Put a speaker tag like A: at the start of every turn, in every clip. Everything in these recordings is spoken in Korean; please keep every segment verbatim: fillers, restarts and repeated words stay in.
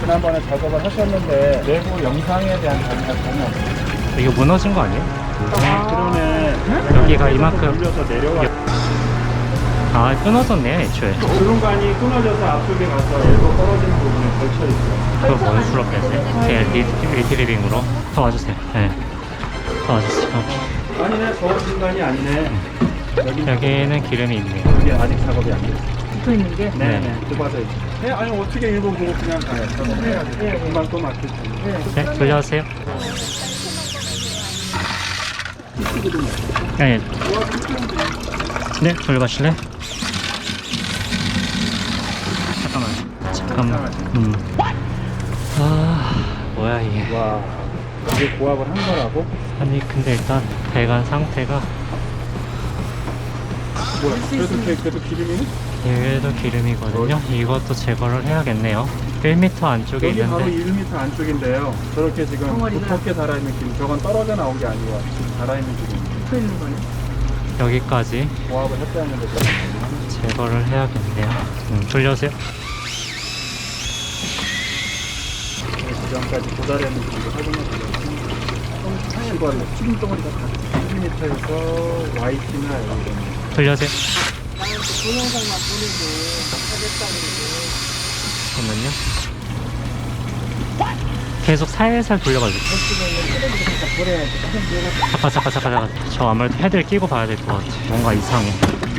A: 지난번에 작업을 하셨는데 내부 영상에 대한 자료가 전혀 없어요.
B: 이거 무너진 거 아니에요?
A: 아, 그러네.
B: 여기가 이만큼
A: 돌려서 내려가.
B: 아 끊어졌네 애초에.
A: 주름관이 끊어져서 앞쪽에 가서 일부 떨어지는 부분에 걸쳐 있어요.
B: 그걸 뭔 수로 뺐어요? 그냥 리, 리트리빙으로 더 와주세요. 네. 더 와주세요. 오케이.
A: 아니네, 저 중간이 아니네. 여기
B: 여기는 기름이 있네요.
A: 이게 아직 작업이 안 됐어요.
C: 붙어 있는 게.
A: 네, 네. 좁아져 있죠. 네, 아니 어떻게 일본 보고 그냥 가요? 작업해야지. 네, 금방 또 막힐 텐데.
B: 네, 돌려주세요. 네, 네, 돌려가실래? 잠깐만. 잠깐만. 음. 아, 뭐야 이게?
A: 와, 이게 고압을 한 거라고?
B: 아니 근데 일단 배관 상태가
A: 뭐야? 그래도 그, 그래도 기름이?
B: 얘도 기름이거든요. 이것도 제거를 해야겠네요. 일 미터 안쪽에
A: 여기 바로
B: 있는데
A: 일 미터 안쪽인데요. 저렇게 지금
C: 덩어리가.
A: 두껍게 달아있는 기름, 저건 떨어져 나온 게 아니고 달아있는 기름.
C: 붙어 있는 거네.
B: 여기까지
A: 고압을 했다는 데서
B: 제거를 해야겠네요. 음, 돌려주세요.
A: 지금까지 도달했는 기름을 확인해 보려면 시골 튀김 덩어리가 다 일 미터에서 와이티나 이런
B: 돌려주세요.
C: 나는 또 동영상만 보내고 하겠다 그러고.
B: 잠깐만요. 계속 살살 돌려가지고. 잠깐 잠깐 잠깐 잠깐. 저 아무래도 헤드를 끼고 봐야 될 것 같아. 뭔가 이상해.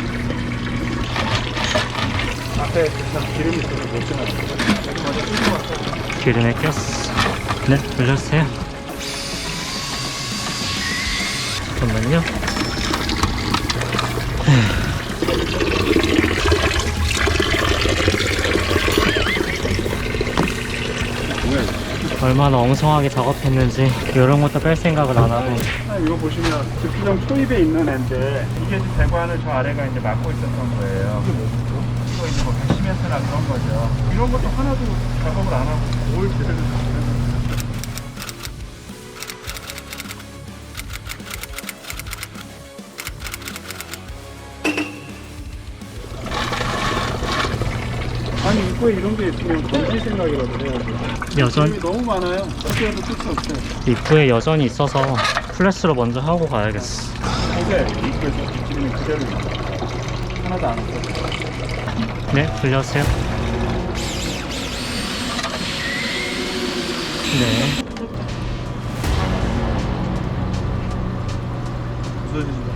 A: 앞에 그냥 기름이 있어서 못 지나가요.
B: 기름에 꼈어. 네, 돌려주세요. 잠깐만요.
A: 뭐야 이거?
B: 얼마나 엉성하게 작업했는지 이런 것도 뺄 생각을 안 하고.
A: 아, 이거 보시면 주피정 초입에 있는 애인데 이게 지금 배관을 저 아래가 이제 막고 있었던 거예요. 이게 뭐죠? 이거 이제 뭐 백시멘트나 그런 거죠. 이런 것도 하나도 작업을 안 하고 뭘 제대로 작업했는지. 아니 입구에 이런 게 있으면 던질 생각이라도 해야지.
B: 여전
A: 기름이 너무 많아요. 어떻게 해도 끝이 없어요.
B: 입구에 여전히 있어서 플래스로 먼저 하고 가야겠어.
A: 어제 입구에서 기름이 그대로 있어요. 하나도 안 없어요.
B: 네, 돌려주세요. 네.
A: 부서진다.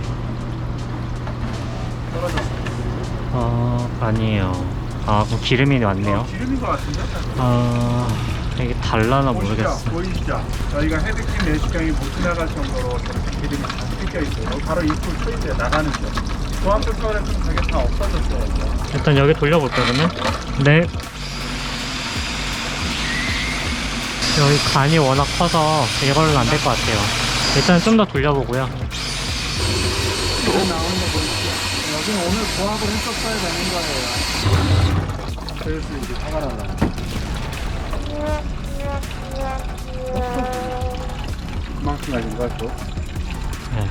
A: 떨어졌어.
B: 어, 아니에요. 아, 그럼 기름이 왔네요.
A: 기름인 것 같은데?
B: 아, 이게 달라나
A: 보이시죠?
B: 모르겠어.
A: 보이시죠? 저희가 헤드킴 내시경이 못 지나갈 정도로 저렇게 기름이 다 뜯겨 있어요. 여기 바로 입구 초입에 나가는 쪽. 조합 쪽에서 저게 다 없어졌어요.
B: 일단 여기 돌려볼게요, 그러면. 네. 여기 간이 워낙 커서 이걸로는 안 될 것 같아요. 일단 좀 더 돌려보고요.
A: 이거 나오는 거 보이시죠? 여기는 오늘 조합을 했었어야 되는 거예요. 그래서 이제 화가 나요. 그만큼 아닌가 또?
B: 네.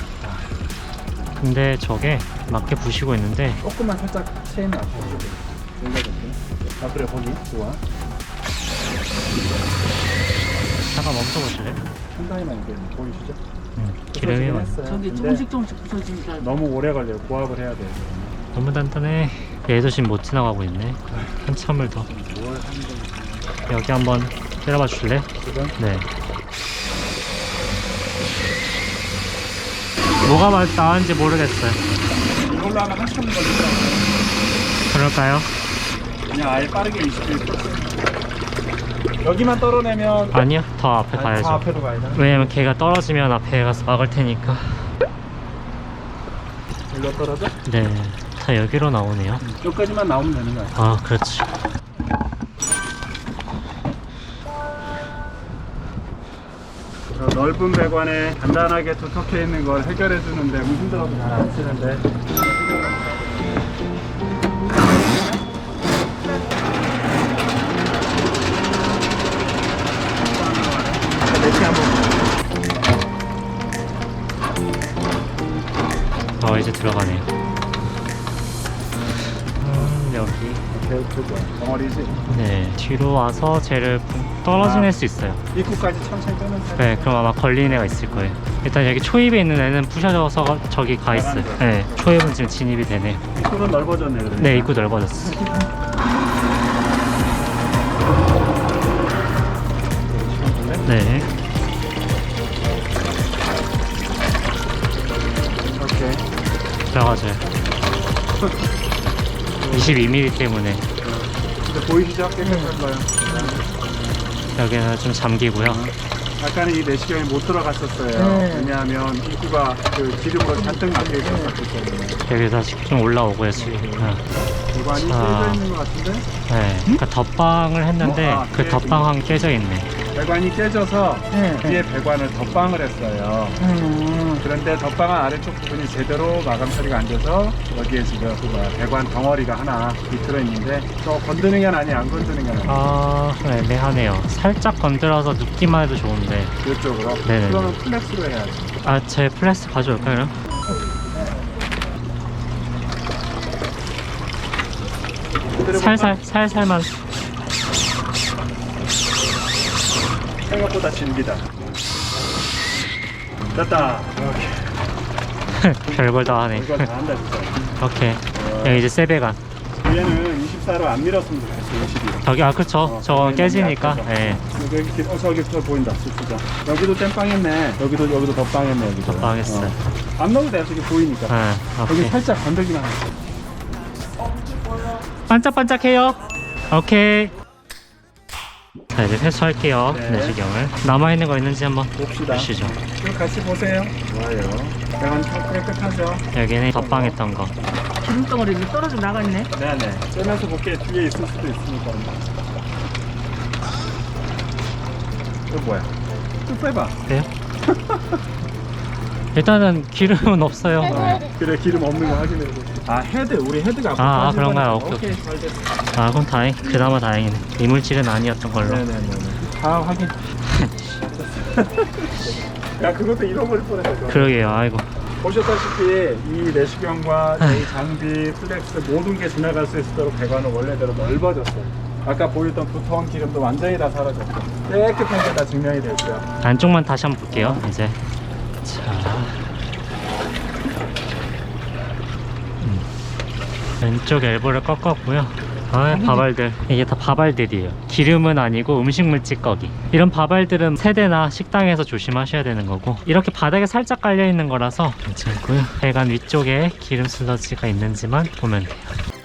B: 근데 저게 맞게 부시고 있는데
A: 조금만 살짝 체인을 앞으로 올려볼게요. 아 그래 거기 좋아.
B: 잠깐 멈춰보실래요?
A: 상당히만 이게 보이시죠?
B: 음, 기름이 많
A: 했어요.
C: 저게
A: 근데
C: 조금씩 조금씩 부서지니까.
A: 너무 오래 걸려요. 고압을 해야 돼요.
B: 너무 단단해. 얘도 지금 못 지나가고 있네. 한참을 더.
A: 뭘 하는 건지
B: 여기 한번 때려봐 줄래?
A: 지금
B: 네. 뭐가 맞- 나은지 모르겠어요.
A: 이걸로 하면 한참 걸리죠.
B: 그럴까요?
A: 그냥 아예 빠르게 이십 일 여기만 떨어내면
B: 아니요, 더 앞에
A: 아니,
B: 가야죠.
A: 다 앞에도 가야 되나?
B: 왜냐면 걔가 떨어지면 앞에 가서 막을 테니까.
A: 일로 떨어져?
B: 네, 다 여기로 나오네요.
A: 여기까지만 나오면 되는 거야.
B: 아, 그렇지.
A: 저 넓은 배관에 간단하게 두텁게 있는 걸 해결해 주는데 힘들어서 잘 안 쓰는데 내시 한번
B: 어, 이제 들어가네요. 음, 여기.
A: 제일 크죠. 덩어리지.
B: 네, 뒤로 와서 쟤를 떨어지낼
A: 아.
B: 수 있어요.
A: 입구까지 천천히 빼면 돼.
B: 네, 그럼 아마 걸리는 애가 있을 거예요. 일단 여기 초입에 있는 애는 부셔져서 저기 가 있어요. 네, 초입은 지금 진입이 되네요.
A: 입구는 넓어졌네. 그러니까.
B: 네, 입구 넓어졌어. 네,
A: 오케이.
B: 들어가줘요. 이십이 밀리미터 때문에
A: 근데 보이시죠? 깨끗한 거요.
B: 여기는 좀 잠기고요.
A: 아까는 이 내시경이 못 들어갔었어요.
C: 네.
A: 왜냐하면 입구가 그 기름으로 잔뜩 막혀 있었기 때문에.
B: 여기서 좀 올라오고요, 지금. 네.
A: 배관이
B: 자.
A: 깨져 있는 것 같은데?
B: 네, 그러니까 덧방을 했는데
A: 어? 아,
B: 그
A: 네.
B: 덧방한 깨져 있네.
A: 배관이 깨져서
C: 네.
A: 뒤에 배관을 덧방을 했어요.
C: 음.
A: 그런데 덧방한 아래쪽 부분이 제대로 마감 처리가 안 돼서 여기에 지금 그 뭐야, 배관 덩어리가 하나 비틀어 있는데 저 건드는 게 아니 안 건드는 게 아니
B: 아, 애매하네요. 살짝 건드려서 눕기만 해도 좋은데.
A: 이쪽으로.
B: 네네.
A: 그러면 플렉스로 해야지.
B: 아, 제 플래스 가져올까요, 그럼? 살살, 살살만.
A: 생각보다 진기다. 됐다.
B: 별걸 다 하네.
A: 이거 다 한다 진짜.
B: 오케이. 여기 이제 세배관.
A: 얘는 이십사로 안 밀었으면 좋겠어. 이십이.
B: 저기, 아, 그쵸.
A: 어,
B: 저건
A: 여기는
B: 깨지니까.
A: 약해서.
B: 예.
A: 여기 이렇게 어 저기 저 보인다. 진짜. 여기도 땜빵했네. 여기도 여기도 덧빵했네. 여기도.
B: 덧빵했어요.
A: 어. 안 넣어도 돼. 저기 보이니까.
B: 아,
A: 여기
B: 오케이.
A: 살짝 건들기만 해.
B: 반짝반짝해요. 오케이. 자, 이제 회수할게요.
A: 네.
B: 내시경을. 남아있는 거 있는지 한번
A: 봅시다.
B: 보시죠.
A: 이거 같이 보세요. 좋아요. 배관 참 깨끗하죠?
B: 여기는 덧방했던 거.
C: 기름덩어리 좀 떨어져 나갔네.
A: 네네. 빼면서 볼게 뒤에 있을 수도 있으니까. 이거 뭐야? 좀 빼봐.
B: 그래요? 일단은 기름은 없어요.
A: 그래 기름 없는 거 확인해보고. 아 헤드 우리 헤드가 앞으로
B: 아,
A: 빠진
B: 그런가요?
A: 거니까.
B: 오케이,
A: 잘 됐어.
B: 아, 그럼 다행. 그나마 다행이네. 이물질은 아니었던 걸로.
A: 네네네. 다 확인. 야 그것도 잃어버릴 뻔했어.
B: 그러게요. 아이고.
A: 보셨다시피 이 내시경과 이 장비, 플렉스 모든 게 지나갈 수 있도록 배관은 원래대로 넓어졌어요. 아까 보였던 두터운 기름도 완전히 다 사라졌고 깨끗한 게 다 증명이 됐죠.
B: 안쪽만 다시 한번 볼게요. 이제. 자. 음. 왼쪽 엘보를 꺾었고요. 아, 바발들. 이게 다 바발들이에요. 기름은 아니고 음식물 찌꺼기. 이런 바발들은 세대나 식당에서 조심하셔야 되는 거고, 이렇게 바닥에 살짝 깔려 있는 거라서 괜찮고요. 배관 위쪽에 기름 슬러지가 있는지만 보면 돼요.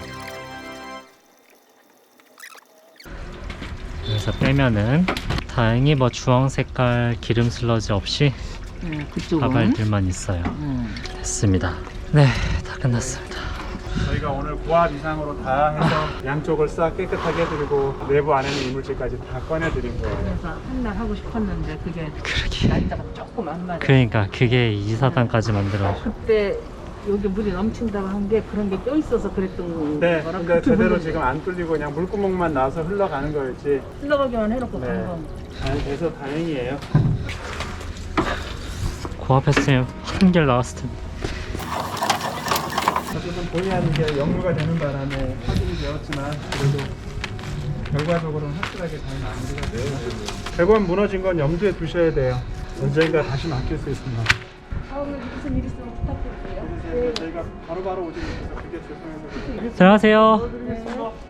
B: 그래서 빼면은 다행히 뭐 주황 색깔 기름 슬러지 없이
C: 음, 그쪽은.
B: 바발들만 있어요.
C: 음.
B: 됐습니다. 네, 다 끝났습니다.
A: 저희가 오늘 고압 이상으로 다 해서 양쪽을 싹 깨끗하게 해드리고 내부 안에 있는 이물질까지 다 꺼내드린 거예요.
C: 그래서 한 날 하고 싶었는데 그게
B: 그러게.
C: 날짜가 조금 안 맞아.
B: 그러니까 그게 이사단까지 만들어.
C: 그때 여기 물이 넘친다고 한 게 그런 게 껴있어서 그랬던
A: 네,
C: 거라.
A: 근데 제대로 지금 안 뚫리고 그냥 물구멍만 나와서 흘러가는 거였지.
C: 흘러가기만 해놓고
A: 네.
C: 간 건.
A: 잘 돼서 다행이에요.
B: 고압했으면 한결 나왔을 텐데.
A: 어쨌든 본의 아니게 역류가 되는 바람에 확인이 되었지만 그래도 결과적으로는 확실하게 잘 마무리가 돼요. 배관 무너진 건 염두에 두셔야 돼요. 언젠가 다시 맡길 수 있습니다.
C: 다음에 무슨 일 있으면 부탁드릴게요.
A: 저희가 바로바로 오지 못해서 그게 죄송해서
B: 들어가세요.
A: 드리겠습니다.